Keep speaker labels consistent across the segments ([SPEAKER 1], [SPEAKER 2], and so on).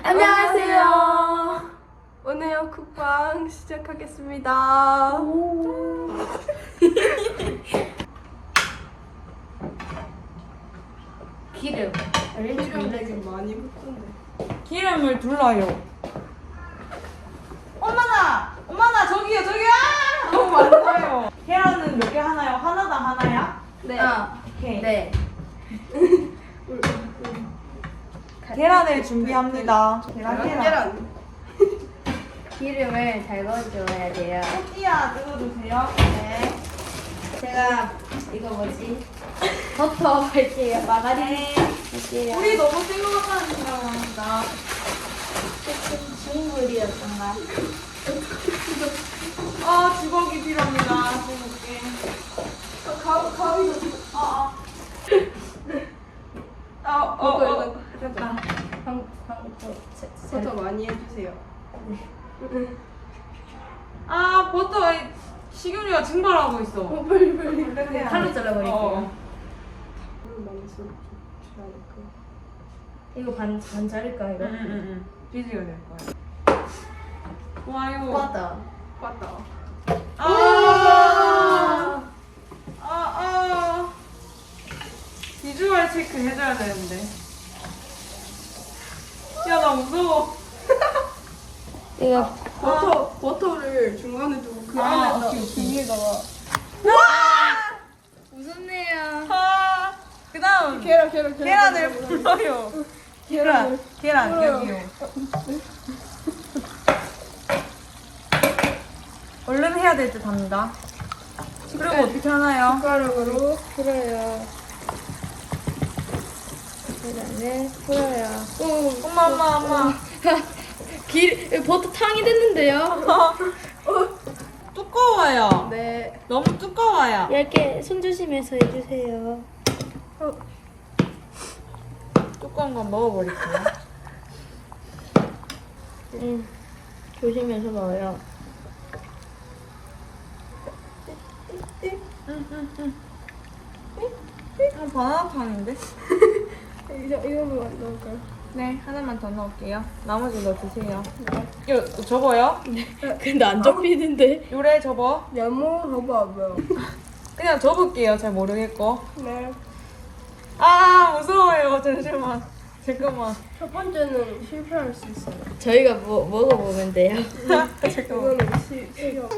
[SPEAKER 1] 안녕하세요. 오늘 쿡방 시작하겠습니다.
[SPEAKER 2] 기름.
[SPEAKER 1] 기름 되게 많이 붓던데.
[SPEAKER 3] 기름을 둘러요. 엄마나 저기요. 너무 많아요. 계란은 몇 개 하나요? 하나당 하나야?
[SPEAKER 1] 네.
[SPEAKER 3] 오케이.
[SPEAKER 2] 네.
[SPEAKER 3] 계란을 준비합니다. 계란.
[SPEAKER 2] 기름을 잘 넣어줘야 돼요.
[SPEAKER 3] 토끼야 뜯어주세요.
[SPEAKER 2] 네. 제가 이거 뭐지? 버터 할게요. 마가린 할게요.
[SPEAKER 3] 우리 너무 센 것 같다는 생각을 합니다.
[SPEAKER 2] 조금 중물이었던가?
[SPEAKER 3] 주걱이 필요합니다. 주걱게.
[SPEAKER 1] 가위도.
[SPEAKER 3] 됐다.
[SPEAKER 1] 버터 많이 해주세요.
[SPEAKER 3] 버터 식용유가 증발하고 있어.
[SPEAKER 1] 빨리.
[SPEAKER 2] 칼로 잘라버릴게요.
[SPEAKER 1] 많이 쓰지 않을까.
[SPEAKER 2] 이거 반 자를까 이거?
[SPEAKER 3] 응. 비지가 될 거야. 좋아요.
[SPEAKER 2] 맞다.
[SPEAKER 1] 맞다.
[SPEAKER 3] 비주얼 체크 해줘야 되는데. 야, 나 무서워.
[SPEAKER 2] 이거
[SPEAKER 1] 버터를 중간에 두고 그 안에다 비닐다가
[SPEAKER 2] 무섭네요.
[SPEAKER 3] 그 다음, 계란을 불러요. 계란, 여기요. 얼른 해야 될 듯 합니다. 그리고 어떻게 하나요?
[SPEAKER 1] 숟가락으로 풀어요.
[SPEAKER 2] 계란을 풀어요.
[SPEAKER 3] 엄마.
[SPEAKER 2] 버터 탕이 됐는데요?
[SPEAKER 3] 두꺼워요.
[SPEAKER 1] 네.
[SPEAKER 3] 너무 두꺼워요.
[SPEAKER 2] 얇게 손 조심해서 해주세요.
[SPEAKER 3] 두꺼운 건 먹어버릴게요.
[SPEAKER 2] 조심해서 넣어요.
[SPEAKER 3] 바나나탕인데?
[SPEAKER 1] 이거만 넣을까요?
[SPEAKER 3] 네, 하나만 더 넣을게요. 나머지 넣어주세요. 이거 접어요?
[SPEAKER 2] 근데 안 접히는데?
[SPEAKER 3] 요래 접어.
[SPEAKER 1] 봐봐요.
[SPEAKER 3] 그냥 접을게요. 잘 모르겠고.
[SPEAKER 1] 네.
[SPEAKER 3] 무서워요. 잠깐만.
[SPEAKER 1] 첫 번째는 실패할 수 있어요.
[SPEAKER 2] 저희가 먹어보면 돼요.
[SPEAKER 1] 이거는 시험.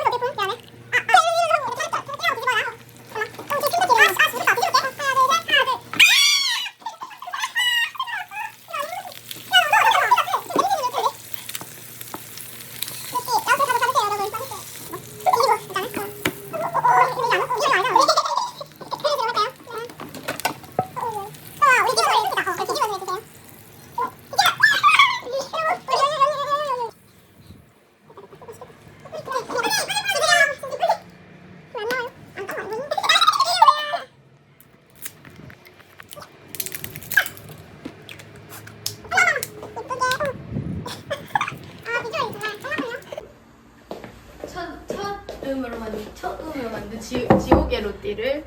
[SPEAKER 2] 첫 음으로 만든 지옥의 로띠를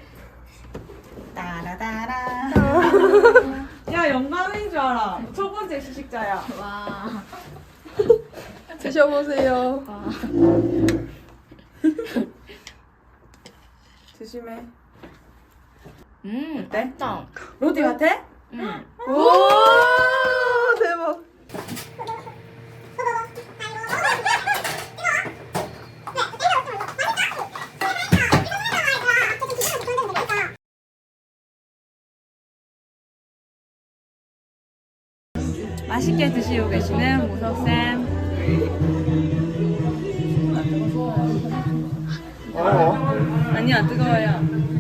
[SPEAKER 3] 따라따라. 야, 영광인 줄 알아. 첫 번째 시식자야.
[SPEAKER 2] 와.
[SPEAKER 1] 드셔보세요.
[SPEAKER 3] 조심해.
[SPEAKER 2] 어때? 맛있다.
[SPEAKER 3] 로티 같아?
[SPEAKER 1] 오, 대박.
[SPEAKER 3] 맛있게 드시고 계시는 모석쌤. 아니요, 안 뜨거워요.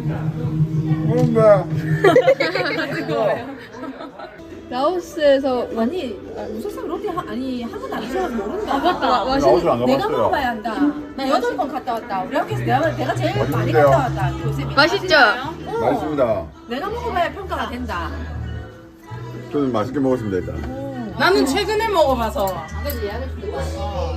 [SPEAKER 1] 뜨거워요. 라오스에서
[SPEAKER 4] 무슨 로티 아니 한 번도 안 드셔서 모른다.
[SPEAKER 1] 맞다.
[SPEAKER 5] 라오스 안
[SPEAKER 4] 내가
[SPEAKER 5] 가봤어요.
[SPEAKER 4] 먹어봐야 한다. 나 8번 갔다 왔다. 우리 학교에서 내가 제일 많이
[SPEAKER 5] 맛있는데요?
[SPEAKER 4] 갔다 왔다. 교수님이.
[SPEAKER 1] 맛있죠?
[SPEAKER 5] 맛있습니다.
[SPEAKER 4] 내가 먹어봐야 평가가 된다.
[SPEAKER 5] 저는 맛있게 먹었습니다 일단.
[SPEAKER 3] 나는 최근에 먹어봐서.
[SPEAKER 4] 그래서 예약을 주고 왔어.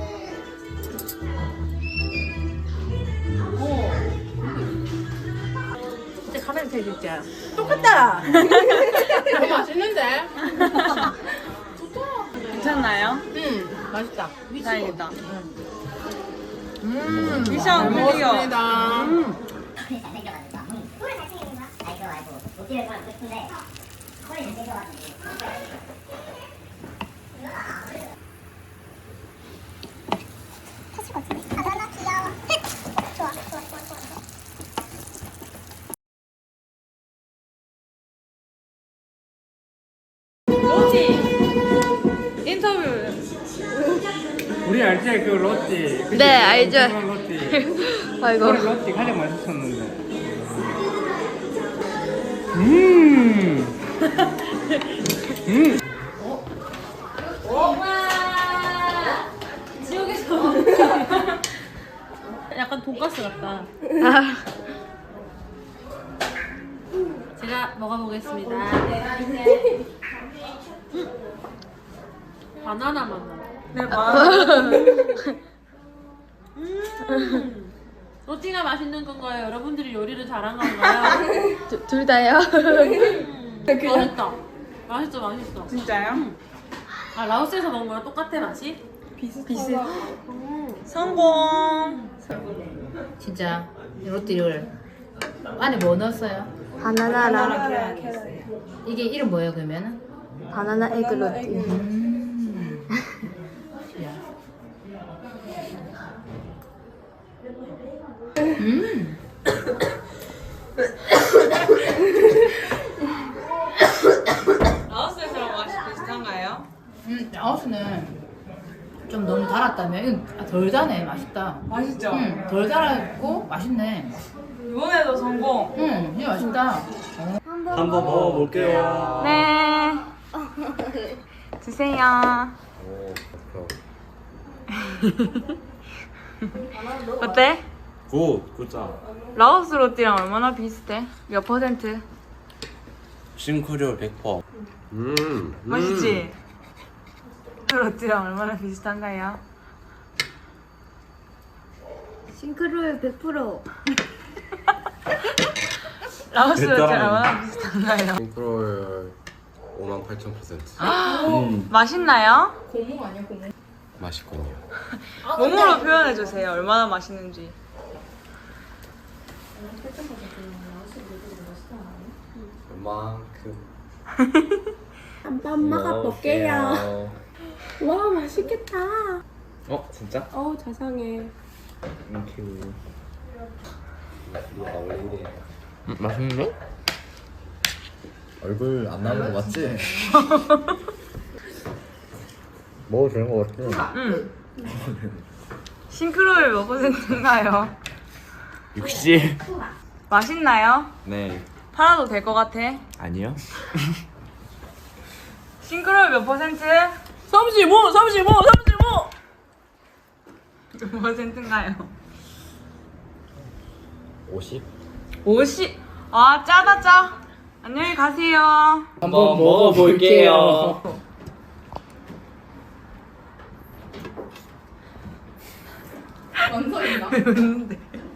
[SPEAKER 4] 진짜 카메라 켜줄게. 똑같다.
[SPEAKER 2] 맛있는데?
[SPEAKER 3] 괜찮나요?
[SPEAKER 4] 맛있다.
[SPEAKER 3] 다행이다. 미션 클리어.
[SPEAKER 6] 꿀을 잘 챙기는 거야? 알고 롯데를 좋아하는 싶은데 꿀을 잘 챙겨가지고 터질 것 같은데? 아 나 귀여워 좋아
[SPEAKER 3] 로지 인터뷰.
[SPEAKER 7] 우리 알지? 그 로띠. 그치?
[SPEAKER 2] 네, 알죠.
[SPEAKER 7] 그런 로띠.
[SPEAKER 2] 아이고.
[SPEAKER 7] 그런 로띠 가장 맛있었는데.
[SPEAKER 4] 지옥에서 약간 돈가스 같다. 제가 먹어보겠습니다. 바나나 맛 나.
[SPEAKER 3] 네, 바나나.
[SPEAKER 4] 로티가 맛있는 건가요? 여러분들이 요리를 잘한 건가요?
[SPEAKER 2] 둘 다요?
[SPEAKER 4] 맛있다. 맛있어.
[SPEAKER 3] 진짜요?
[SPEAKER 4] 아 라오스에서 먹은 거랑 똑같아 맛이?
[SPEAKER 3] 성공.
[SPEAKER 4] 진짜 로티를 안에 뭐 넣었어요?
[SPEAKER 2] 바나나랑
[SPEAKER 4] 이게 이름 뭐예요 그러면은?
[SPEAKER 2] 바나나 에그 로띠.
[SPEAKER 3] 라오스에서랑 맛이 비슷한가요?
[SPEAKER 4] 라오스는 좀 너무 달았다면 이건 덜 달네. 맛있다.
[SPEAKER 3] 맛있죠?
[SPEAKER 4] 덜 달았고 맛있네.
[SPEAKER 3] 이번에도 성공.
[SPEAKER 4] 이게 맛있다.
[SPEAKER 8] 한번 먹어볼게요.
[SPEAKER 3] 네. 드세요. 어때?
[SPEAKER 8] 굿자.
[SPEAKER 3] 라오스 로띠랑 얼마나 비슷해? 몇 퍼센트?
[SPEAKER 8] 싱크류 100%.
[SPEAKER 3] 맛있지? 로띠랑 얼마나 비슷한가요?
[SPEAKER 2] 싱크로율 100%.
[SPEAKER 3] 라오스 로띠랑
[SPEAKER 8] 일단-
[SPEAKER 3] 얼마나 비슷한가요?
[SPEAKER 8] 싱크로율 58,000%.
[SPEAKER 3] 맛있나요?
[SPEAKER 8] 맛있군요.
[SPEAKER 3] 몸으로 표현해주세요. 얼마나 맛있는지.
[SPEAKER 8] 얼만큼?
[SPEAKER 1] 한번 먹어볼게요. 와 맛있겠다.
[SPEAKER 8] 진짜?
[SPEAKER 1] 어우 자상해.
[SPEAKER 8] 땡큐. 원래 이래. 맛있는데? 얼굴 안 나오는 거 맞지? 먹어도 되는 거 같아.
[SPEAKER 3] 싱크로율 몇 퍼센트인가요?
[SPEAKER 8] 60.
[SPEAKER 3] 맛있나요?
[SPEAKER 8] 네.
[SPEAKER 3] 팔아도 될 것 같아.
[SPEAKER 8] 아니요.
[SPEAKER 3] 싱크로율 몇 퍼센트?
[SPEAKER 4] 35.
[SPEAKER 3] 몇 퍼센트인가요?
[SPEAKER 8] 50?
[SPEAKER 3] 50. 아 짜다 짜. 안녕히 가세요.
[SPEAKER 8] 한번 먹어볼게요.
[SPEAKER 3] 왜 웃는데?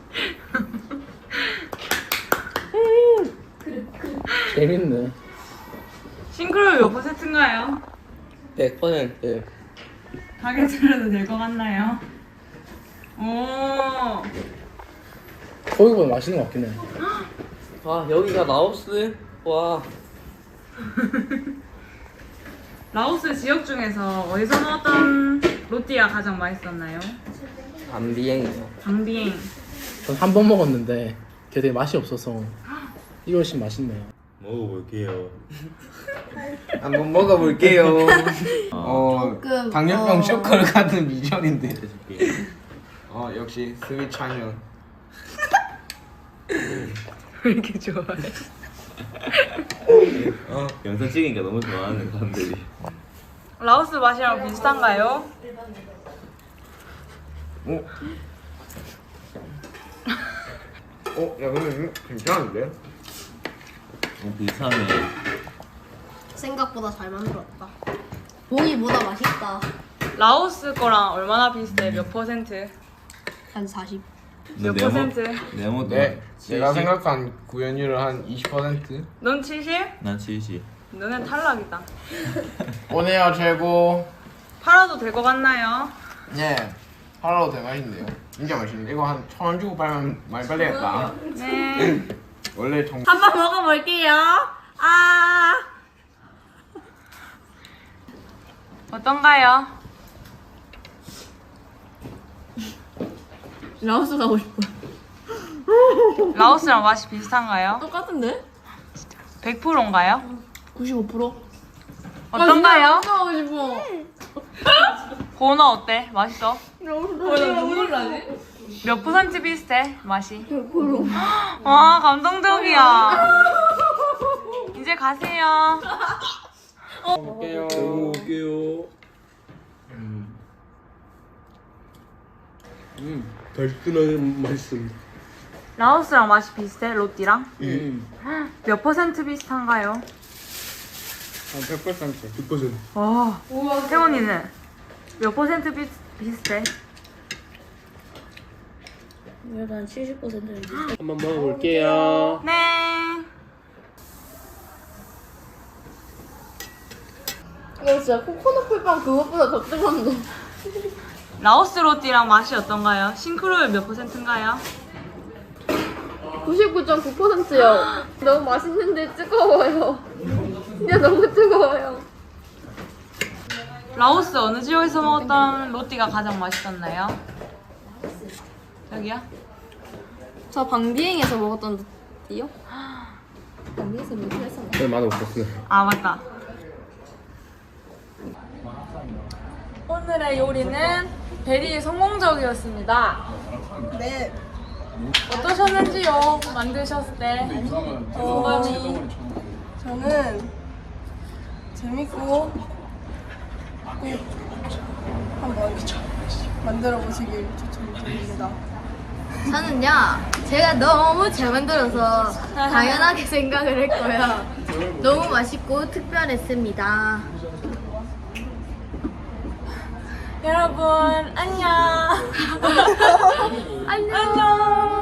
[SPEAKER 8] 재밌네.
[SPEAKER 3] 싱크로율 몇 퍼센트인가요?
[SPEAKER 8] 100%.
[SPEAKER 3] 가게 차려도 될 것 같나요? 오.
[SPEAKER 7] 거기보다 맛있는 것 같긴 해.
[SPEAKER 8] 아 여기가 라오스? 와.
[SPEAKER 3] 라오스 지역 중에서 어디서 먹었던 로띠가 가장 맛있었나요?
[SPEAKER 8] 밤비행이요.
[SPEAKER 3] 방비행.
[SPEAKER 7] 전 한 번 먹었는데 되게 맛이 없어서 이거 훨씬 맛있네요.
[SPEAKER 8] 먹어볼게요. 한번 먹어볼게요. 당뇨병 쇼크를 가는 미션인데. 역시 스윗 찬영.
[SPEAKER 3] 왜 이렇게 좋아해?
[SPEAKER 8] 영상 찍으니까 너무 좋아하는 사람들이.
[SPEAKER 3] 라오스 맛이랑 비슷한가요?
[SPEAKER 8] 야 근데 괜찮은데? 비슷하네.
[SPEAKER 2] 생각보다 잘 만들었다. 보기보다 맛있다.
[SPEAKER 3] 라오스 거랑 얼마나 비슷해? 몇 퍼센트?
[SPEAKER 2] 한 40.
[SPEAKER 3] 몇 퍼센트?
[SPEAKER 8] 네모도.
[SPEAKER 9] 네, 제가 생각한 구현율은 한 20%?
[SPEAKER 3] 넌 70?
[SPEAKER 8] 난 70.
[SPEAKER 3] 너는 탈락이다.
[SPEAKER 9] 오네요 최고.
[SPEAKER 3] 팔아도 될 것 같나요?
[SPEAKER 9] 네. 팔아도 되게 맛있는데요. 진짜 맛있는데 이거 한 1,000원 주고 팔면 많이 팔리겠다.
[SPEAKER 3] 네.
[SPEAKER 9] 원래 정.
[SPEAKER 3] 한번 먹어볼게요. 아. 어떤가요?
[SPEAKER 2] 라오스 가고 싶어.
[SPEAKER 3] 라오스랑 맛이 비슷한가요?
[SPEAKER 2] 똑같은데?
[SPEAKER 3] 100%인가요?
[SPEAKER 2] 95%?
[SPEAKER 3] 어떤가요?
[SPEAKER 2] 가고 싶어.
[SPEAKER 3] 고너 어때? 맛있어?
[SPEAKER 2] 눈물 나지?
[SPEAKER 3] 몇 퍼센트 비슷해? 맛이? 100%. 와 감동적이야. 이제 가세요.
[SPEAKER 9] 먹을게요.
[SPEAKER 7] 먹을게요. 달큰하게 맛있습니다.
[SPEAKER 3] 라오스랑 맛이 비슷해? 로띠랑? 몇 퍼센트 비슷한가요?
[SPEAKER 9] 100%.
[SPEAKER 7] 100%.
[SPEAKER 3] 와. 태원이는 몇 퍼센트 비슷해?
[SPEAKER 2] 약간 70%는
[SPEAKER 7] 한번 먹어볼게요.
[SPEAKER 3] 네.
[SPEAKER 2] 이거 진짜 코코넛 풀빵 그것보다 더 뜨거운데.
[SPEAKER 3] 라오스 로띠랑 맛이 어떤가요? 싱크로율 몇 퍼센트인가요?
[SPEAKER 2] 99.9%요. 너무 맛있는데 뜨거워요. 그냥 너무 뜨거워요.
[SPEAKER 3] 라오스 어느 지역에서 먹었던 로띠가 가장 맛있었나요? 여기요?
[SPEAKER 2] 저 방비행에서 먹었던 띠요? 방비행에서 몇 개 했었나?
[SPEAKER 7] 네, 맛없었어요.
[SPEAKER 3] 아 맞다. 오늘의 요리는 베리 성공적이었습니다.
[SPEAKER 1] 네.
[SPEAKER 3] 어떠셨는지요? 만드셨을 때 소감이.
[SPEAKER 1] 저는 재밌고 꼭 한번 만들어 보시길 추천드립니다.
[SPEAKER 2] 저는요, 제가 너무 잘 만들어서 당연하게 생각을 했고요. 너무 맛있고 특별했습니다.
[SPEAKER 3] 여러분 안녕.
[SPEAKER 2] 안녕.
[SPEAKER 3] 안녕.